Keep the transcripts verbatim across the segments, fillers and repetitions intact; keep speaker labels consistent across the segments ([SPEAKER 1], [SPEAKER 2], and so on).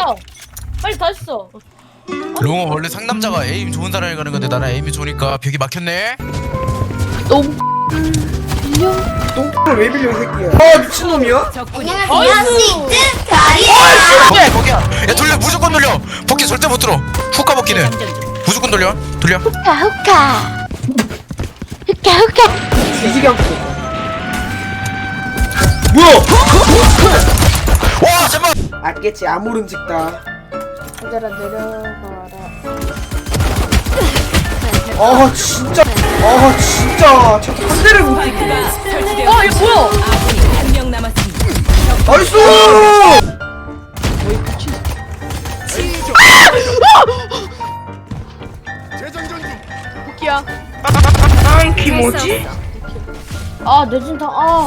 [SPEAKER 1] 했어. 빨리 다 했어.
[SPEAKER 2] 롱은 원래 상남자가 에임 좋은 사람이 가는 건데 나는 에임이 좋으니까 벽이 막혔네.
[SPEAKER 3] 너무 빌려.
[SPEAKER 4] 똥을 왜 빌려 이 새끼야. 아 미친놈이야?
[SPEAKER 1] 안녕하세요.
[SPEAKER 2] 거기야 거기야. 야 돌려 무조건 돌려. 복귀 절대 못 들어. 후카 복귀는 무조건 돌려. 돌려.
[SPEAKER 3] 후카 후카. 후카 후카.
[SPEAKER 4] 뒤지게 않고. 뭐야?
[SPEAKER 2] 와 잠깐.
[SPEAKER 4] 알겠지 아무른 직다.
[SPEAKER 3] 얘들아 내려가라.
[SPEAKER 4] 아 진짜. 아 진짜. 자꾸 한 대를 못.
[SPEAKER 1] 와 이거 뭐야?
[SPEAKER 5] 한명 남았습니다.
[SPEAKER 4] 나이스.
[SPEAKER 3] 후키야.
[SPEAKER 4] 키 뭐지?
[SPEAKER 1] 아 뇌진탕 아.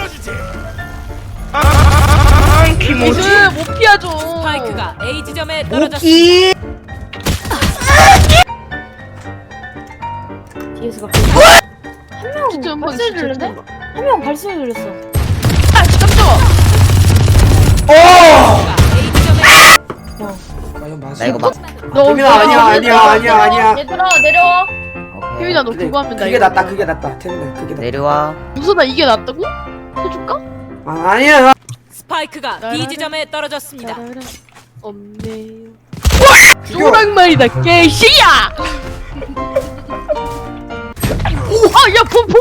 [SPEAKER 4] 키 뭐지?
[SPEAKER 3] 이거 못 피하죠.
[SPEAKER 5] 스파이크가 A 지점에 떨어졌습니다.
[SPEAKER 4] 오키.
[SPEAKER 1] 뒤에서 갑자기
[SPEAKER 3] 진짜
[SPEAKER 1] 한
[SPEAKER 3] 한번
[SPEAKER 1] 발소리 들렸는데? 한 명 발소리 들렸어.
[SPEAKER 3] 아 깜짝아.
[SPEAKER 4] 어.
[SPEAKER 5] A 지점에
[SPEAKER 4] 과연 맞아?
[SPEAKER 6] 나 이거 막
[SPEAKER 3] 너
[SPEAKER 4] 태민아 아니야 아니야 아니야 아니야.
[SPEAKER 1] 얘들아 내려와.
[SPEAKER 6] 오케이.
[SPEAKER 3] 태민아 너
[SPEAKER 4] 그래,
[SPEAKER 3] 그거 하면 나
[SPEAKER 4] 그게
[SPEAKER 3] 이거
[SPEAKER 4] 낫다 그게 낫다 태민아 그게 낫다.
[SPEAKER 6] 내려와.
[SPEAKER 3] 무슨 나 이게 낫다고? 해줄까?
[SPEAKER 4] 아 아니야.
[SPEAKER 5] 스파이크가 B 지점에 떨어졌습니다.
[SPEAKER 3] 따라라. 없네요.
[SPEAKER 4] 죽여.
[SPEAKER 3] 노랑말이다 개씨야. 아야 복.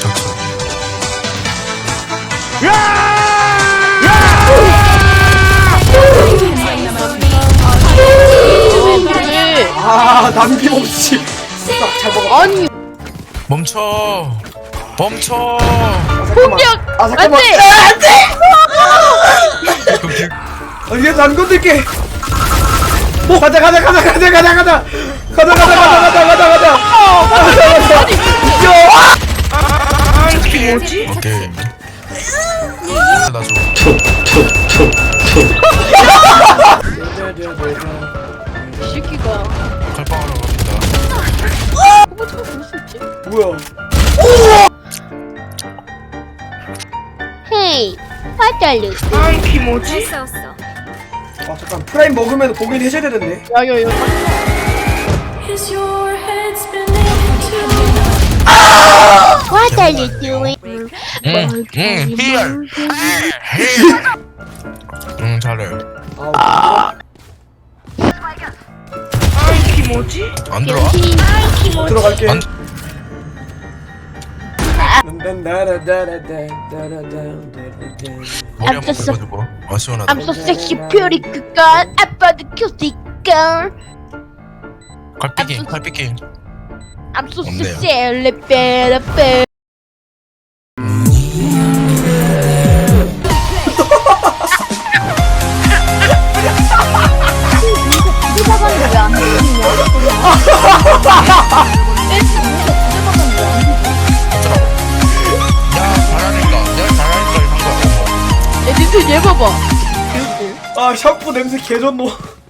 [SPEAKER 3] 왜?
[SPEAKER 4] 아 남김없이. 진짜 잘 먹어.
[SPEAKER 3] 아니
[SPEAKER 2] 멈춰. 멈춰.
[SPEAKER 4] 아, 잠깐만.
[SPEAKER 3] 공격!
[SPEAKER 4] 아 잠깐만.
[SPEAKER 3] 안 돼!
[SPEAKER 4] 아, 안 돼! 아, 얘도 안 건들게. 뭐 가자 가자 가자 가자 가자 가자 가자 가자 가자 가자 가자 가자 가자 가자. 이게 뭐지?
[SPEAKER 2] 오케이. 나줘.
[SPEAKER 3] 이 새끼가
[SPEAKER 2] 칼빵하러 갑니다.
[SPEAKER 3] 어머 저거 볼수 있지?
[SPEAKER 4] 뭐야?
[SPEAKER 3] 헤이 화달루
[SPEAKER 4] 이게 뭐지? 아 잠깐 프라임 먹으면 보긴 해줘야 되는데.
[SPEAKER 3] 야야 이거 화달루 doing
[SPEAKER 2] 응. 응. 히얼. 응 잘해.
[SPEAKER 4] 아 이게 뭐지?
[SPEAKER 2] 안 들어와?
[SPEAKER 4] 들어갈게.
[SPEAKER 2] 안. 머리 한번
[SPEAKER 3] 쳤어.
[SPEAKER 2] 긁어주고. 아 시원하다.
[SPEAKER 3] I'm so sexy pretty good girl 아빠도 cute girl
[SPEAKER 2] 칼피킹 칼피킹.
[SPEAKER 3] I'm so
[SPEAKER 2] 없네요.
[SPEAKER 3] sexy 베라베
[SPEAKER 2] 야 잘하니까. 내가 잘하니까 이런 거야.
[SPEAKER 3] 야 니들 얘 봐봐
[SPEAKER 4] 아 샴푸 냄새 개좋노.